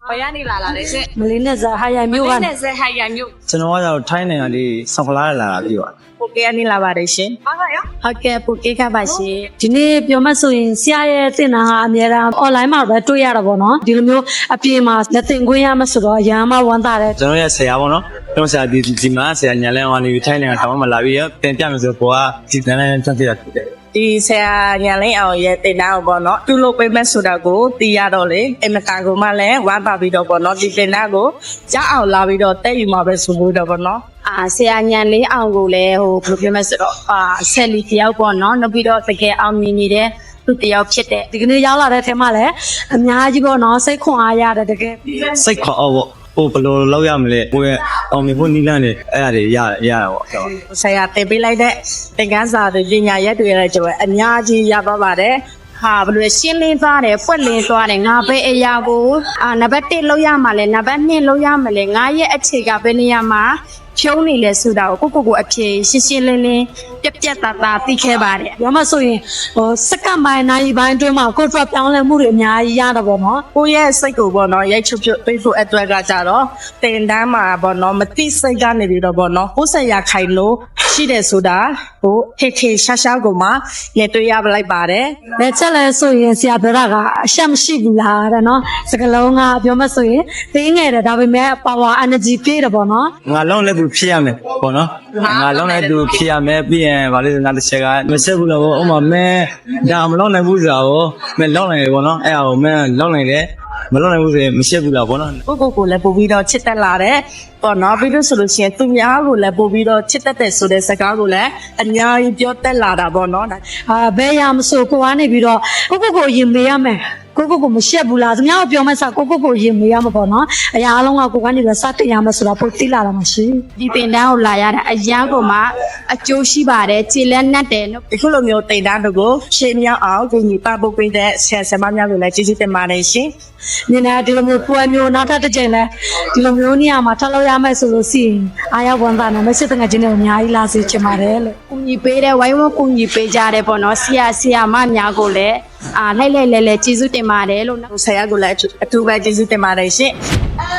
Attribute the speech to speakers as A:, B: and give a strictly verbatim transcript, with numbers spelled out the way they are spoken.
A: ဘယ်ကနေလာလာလဲရှင်
B: မလေးနဲ့ဇာဟာရမျိုးက
A: နဲ့ဇက်ဟိုင်ရမျိုး
C: ကျွန်တော်ကတော့ထိုင်းနိုင်ငံလေးဆောက်လာလာတာပြီးပါ
A: ပိုကေကနေလာပါတယ်ရှင်ဟုတ်ကဲ့ရောဟုတ်ကဲ့ပိုကေကပါရှင်
B: ဒီနေ့ပြောမှဆိုရင်ဆရာရဲ့သင်တန်းကအများအား online မှာပဲတွေ့ရတာပေါ့နော်ဒီလိုမျိုးအပြေမှာလက်သင်ခွင့်ရမှဆိုတော့ရမ်းမဝမ်းသာတယ်
C: ကျွန်တော်ရဲ့ဆရာပေါ့နော်ကျွန်တော်ဆရာဒီဒီမှာဆရာညာလန်းအောင်နေထိုင်းနိုင်ငံထောင်မှာလာပြီးပြန်ပြမယ်ဆိုတော့ကိုကဒီတန်းလန်းတက်ပြတယ်
A: ဒီဆရာညာလင်းအောင်ရဲ့တင်တန်းကိုပေါ့နော်သူ့လိုပေးမဲ့ဆိုတာကိုသိရတော့လေအမကန်ကိုမှလည်းဝမ်းပါပြီးတော့ပေါ့နော်ဒီတင်တန်းကိုကြားအောင်လာပြီးတော့တက်ယူမှာပဲဆိုလို့တော့ပေါ့နော်အာဆရာညာလင်းအောင်ကိုလည်းဟိုဘယ်လိုပြောမလဲဆိုတော့အာဆက်လီတယောက်ပေါ့နော်နောက်ပြီးတော့တကယ်အောင်မြင်နေတဲ့သူတယောက်ဖြစ်တဲ့
B: ဒီကနေ့ရောက်လာတဲ့ထဲမှာလည်းအများကြီးပေါ့နော်စိတ်ခွန်အားရတယ်တကယ်
C: စိတ်ခေါ်အောင်ပေါ့ဟိုဘယ်လိုလောက်ရမလဲကိုယ့်ရဲ့အောင်မြင်ဖို့နီးလန်းနေအဲ့ဒါတွေရရတာပေါ့
A: ဆရာတင်ပေးလိုက်တဲ့သင်ခန်းစာတွေပညာရက်တွေလည်းကျွန်တော်အများကြီးရပါပါတယ်ဟာဘယ်လိုရှင်းလင်းသွားတယ်ဖွက်လင်းသွားတယ်ငါပဲအရာကိုအာနံပါတ်တစ်လောက်ရမှာလဲနံပါတ်နှစ်လောက်ရမှာလဲငါရဲ့အခြေကဘယ်နေရာမှာဖြုံးနေလဲဆိုတာကိုကိုကိုကိုအဖြေရှင်းရှင်းလင်းလင်းပြက်ပြက်သားသားသိခဲ့ပါတယ်
B: ပြောမှဆိုရင်ဟိုစက္ကန့်ပိုင်းနိုင်ပိုင်းအတွင်းမှာကိုယ်ထွက်ပြောင်းလဲမှုတွေအများကြီးရတာပေါ့နော်
A: ကိုရဲ့စိတ်ကိုပေါ့နော်ရိုက်ချုပ်ချုပ်သိဖို့အတွက်ကကြတော့တင်တန်းမှာပေါ့နော်မတိစိတ်ကနေပြီးတော့ပေါ့နော်ကိုယ်ဆက်ရခိုင်လို့ရှိတယ်ဆိုတာဟိုထေထေရှာရှာကိုမှရတွေ့ရလိုက်ပါတယ်
B: လက်ချက်လဲဆိုရင်ဆရာပြောတာကအရှက်မရှိဘူးလားတဲ့နော်စကလုံးကပြောမှဆိုရင်သေးငယ်တယ်ဒါပေမဲ့ power energy ပြည့်တယ်ပေါ့နော်
C: ငါလုံးလည်းသူဖြစ်ရမယ်ပေါ့နော်ငါလုံးလည်းသူဖြစ်ရမယ်ပြီးရင်ဗာလေးငါတစ်ချက်ကမဆက်ဘူးလို့ဥမာမဲဒါမလုံးနိုင်ဘူးဆိုတာကိုမဲလုံးနိုင်တယ်ပေါ့နော်အဲ့ဒါကိုမဲလုံးနိုင်တယ်မလုံးနိုင်ဘူးဆိုရင်မရှက်ဘူးလားပေါ့နော်
A: ကိုကိုကိုလည်းပို့ပြီးတော့ချစ်တက်လာတယ်ပေါ့နော်ပြီးလို့ဆိုလို့ရှိရင်သူများကိုလည်းပို့ပြီးတော့ချစ်တက်တဲ့ဆိုတဲ့စကားကိုလည်းအများကြီးပြောတက်လာတာပေါ့နော်
B: အာဘယ်ရမဆိုကိုကနေပြီးတော့ကိုကိုကိုရင်မေးရမယ်ကိုကိုကိုမရှက်ဘူးလားသူများကပြောမှစားကိုကိုကိုရင်မေးရမှာပေါ့နော်အရာအလုံးကကိုကနေပြီးစတင်ရမယ်ဆိုတော့ပိုသိလာတာမရှိ
A: ဒီတင်တန်းကိုလာရတာအရန်ကိုမှအကျိုးရှိပါတယ်ခြေလက်နက်တယ်နော်ဒီခုလိုမျိုးတင်တန်းတို့ကိုရှင်းမြောက်အောင်ကိုကြီးပပုတ်ပေးတဲ့ဆရာဆရာမများကိုလည်းကျေးဇူးတင်ပါတယ်ရှင်
B: ညနေဒီလိုမျိုးပွဲမျိုးနောက်ထပ်တစ်ချိန်လဲဒီလိုမျိုးနေရာမှာထားလို့ရမယ်ဆိုလို့ရှိရင်အားရဝန်သားနဲ့မရှိတဲ့ငါချင်းတွေအများကြီးလာစေချင်ပါတယ်လို့
A: ကူညီပေးတဲ့ဝိုင်းဝန်းကူညီပေးကြတယ်ပေါ့နော်ဆရာဆရာမများကိုလည်းအာလိုက်လိုက်လဲလဲကျေးဇူးတင်ပါတယ်လို့ဆရာကိုလည်းအထူးပဲကျေးဇူးတင်ပါတယ်ရှင်